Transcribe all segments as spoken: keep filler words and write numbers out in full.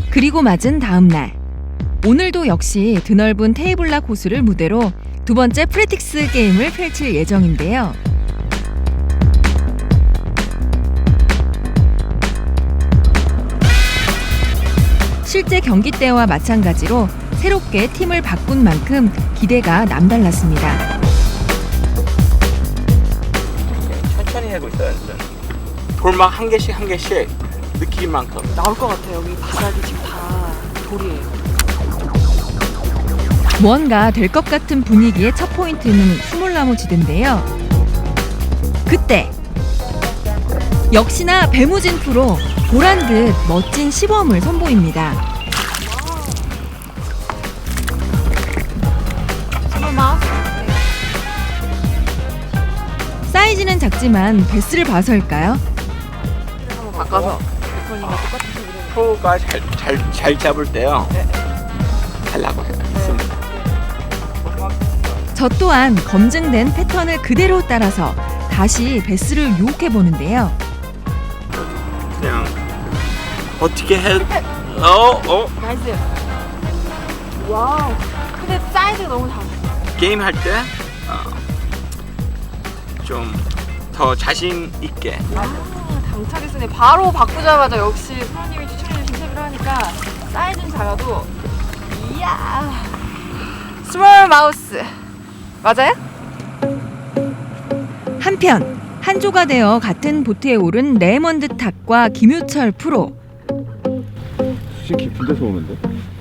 그리고 맞은 다음 날, 오늘도 역시 드넓은 테이블락 호수를 무대로 두 번째 프랙티스 게임을 펼칠 예정인데요. 실제 경기 때와 마찬가지로 새롭게 팀을 바꾼 만큼 기대가 남달랐습니다. 천천히 하고 있어요. 돌막 한 개씩 한 개씩 느낄 만큼 나올 것 같아요. 여기 바닥이 지금 다 돌이에요. 무언가 될 것 같은 분위기의 첫 포인트는 수몰나무 지대인데요. 그때 역시나 배무진 프로 보란 듯 멋진 시범을 선보입니다. 사이즈는 작지만 베스를 봐서일까요? 한번 바꿔서 대표님과 똑같은 소리를 프로가 잘, 잘, 잘 잡을 때요. 네. 하려고 해요. 저 또한 검증된 패턴을 그대로 따라서 다시 베스를 유혹해 보는데요. 그냥 어떻게 해? 어, 어. 나이스. 와우. 근데 사이즈가 너무 작아. 게임 할 때 좀 더 자신 있게. 아, 당차게 쓰네. 바로 바꾸자마자 역시 프로님이 추천해주신 탭을 하니까 사이즈는 작아도 이야. 스몰 마우스. 맞아요? 한편 한 조가 되어 같은 보트에 오른 레이먼드 탁과 김효철 프로. 수심 깊은 데서 오는데?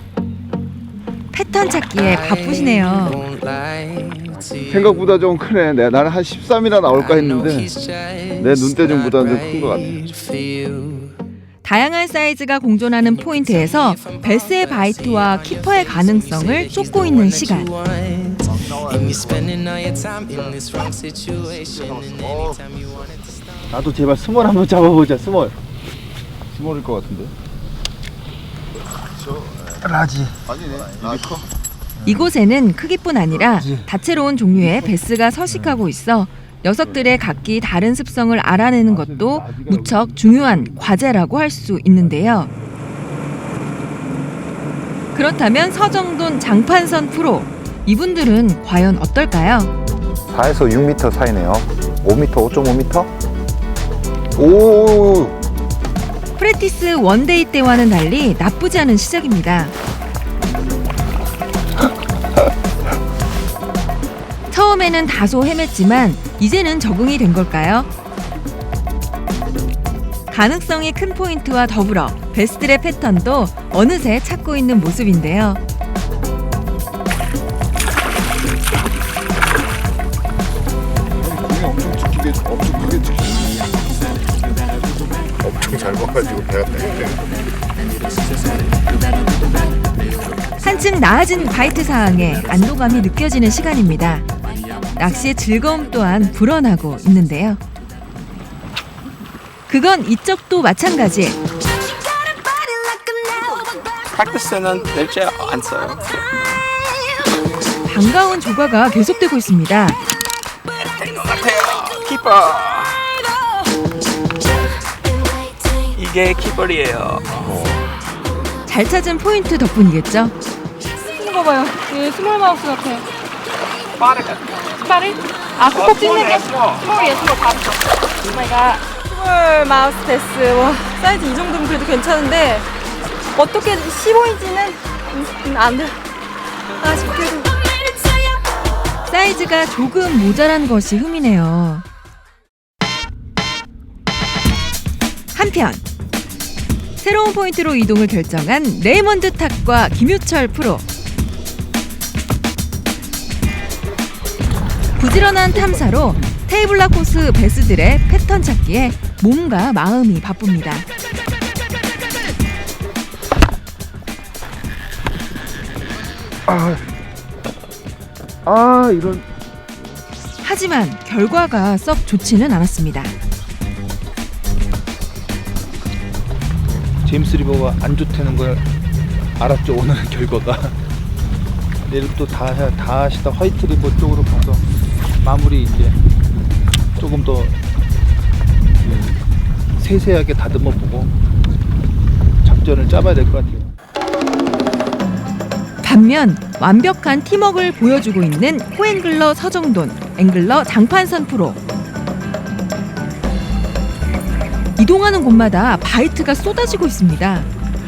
패턴 찾기에 바쁘시네요. 생각보다 좀 크네. 내가 나는 한 십삼이나 나올까 했는데 내 눈대중보다는 좀 큰 것 같아. 다양한 사이즈가 공존하는 포인트에서 베스의 바이트와 키퍼의 가능성을 쫓고 있는 시간. 나도 제발 스몰 한번 잡아보자. 스몰. 스몰일 것 같은데. 라지. 아니네. 이게 커. 이곳에는 크기뿐 아니라 다채로운 종류의 베스가 서식하고 있어 녀석들의 각기 다른 습성을 알아내는 것도 무척 중요한 과제라고 할 수 있는데요. 그렇다면 서정돈 장판선 프로, 이분들은 과연 어떨까요? 사에서 육 미터 사이네요. 오 미터, 오 점 오 미터? 오. 프랙티스 원데이 때와는 달리 나쁘지 않은 시작입니다. 처음에는 다소 헤맸지만 이제는 적응이 된 걸까요? 가능성이 큰 포인트와 더불어 베스들의 패턴도 어느새 찾고 있는 모습인데요. 공이 엄청 지키게, 엄청 크게 지키게. 엄청 잘 봐가지고 배가 되게. 한층 나아진 바이트 상황에 안도감이 느껴지는 시간입니다. 낚시의 즐거움 또한 불어나고 있는데요. 그건 이쪽도 마찬가지. 프랙티스는 낼지 안 써요. 반가운 조과가 계속되고 있습니다. 될 것 같아요. 키퍼. 이게 키퍼리예요. 잘 찾은 포인트 덕분이겠죠? 이거 봐요. 얘 스몰 마우스 같아. 빠르게. 스파를? 아, 콕콕 찢는 게? 스몰. 스몰이에요, 스몰. 바로. 오마이갓. 스몰 마우스 베스. 와, 사이즈 이 정도면 그래도 괜찮은데 어떻게 십오 인치는 음, 안 돼. 아쉽게도. 사이즈가 조금 모자란 것이 흠이네요. 한편 새로운 포인트로 이동을 결정한 레이먼드 탁과 김효철 프로. 부지런한 탐사로 테이블락 코스 베스들의 패턴 찾기에 몸과 마음이 바쁩니다. 아, 아 이런. 하지만 결과가 썩 좋지는 않았습니다. 제임스 리버가 안 좋다는 걸 알았죠. 오늘 결과가. 내일 또 다 다 하시다 화이트 리버 쪽으로 가서 마무리 이제 조금 더 세세하게 다듬어 보고 작전을 짜봐야 될 것 같아요. 반면 완벽한 팀워크를 보여주고 있는 코앵글러 서정돈, 앵글러 장판선 프로. 이동하는 곳마다 바이트가 쏟아지고 있습니다.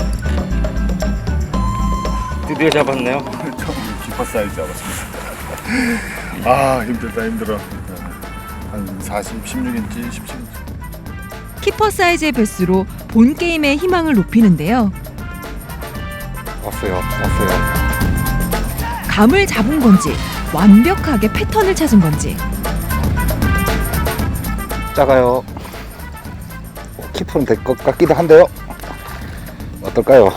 드디어 잡았네요. 처음 기파 사이즈 잡았습니다. 아 힘들다 힘들어. 한 사십, 십육 인치, 십칠 인치. 키퍼 사이즈의 배스로 본 게임의 희망을 높이는데요. 왔어요. 왔어요. 감을 잡은 건지 완벽하게 패턴을 찾은 건지 작아요. 키프는 될 것 같기도 한데요. 어떨까요?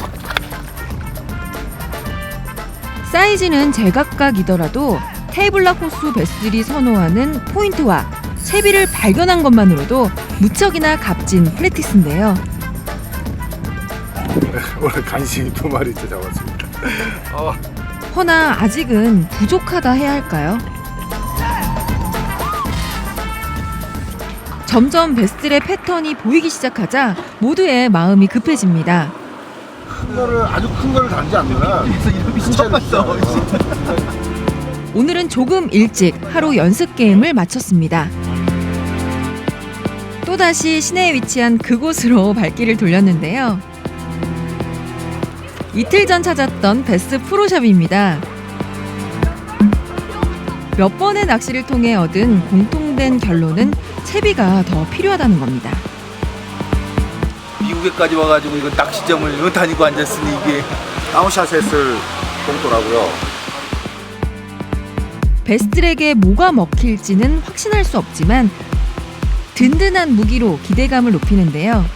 사이즈는 제각각이더라도 테이블락 호수 베스들이 선호하는 포인트와 채비를 발견한 것만으로도 무척이나 값진 프랙티스인데요. 오늘 간신히 두 마리째 잡았습니다. 어. 허나 아직은 부족하다 해야 할까요? 점점 베스들의 패턴이 보이기 시작하자 모두의 마음이 급해집니다. 큰 거를 아주 큰 거를 단지 않느라 처음 봤어. 오늘은 조금 일찍 하루 연습 게임을 마쳤습니다. 또다시 시내에 위치한 그곳으로 발길을 돌렸는데요. 이틀 전 찾았던 베스 프로샵입니다. 몇 번의 낚시를 통해 얻은 공통된 결론은 채비가 더 필요하다는 겁니다. 미국에까지 와가지고 이거 낚시점을 이거 다니고 앉았으니 이게 다운샷 했을 정도라고요. 베스들에게 뭐가 먹힐지는 확신할 수 없지만 든든한 무기로 기대감을 높이는데요.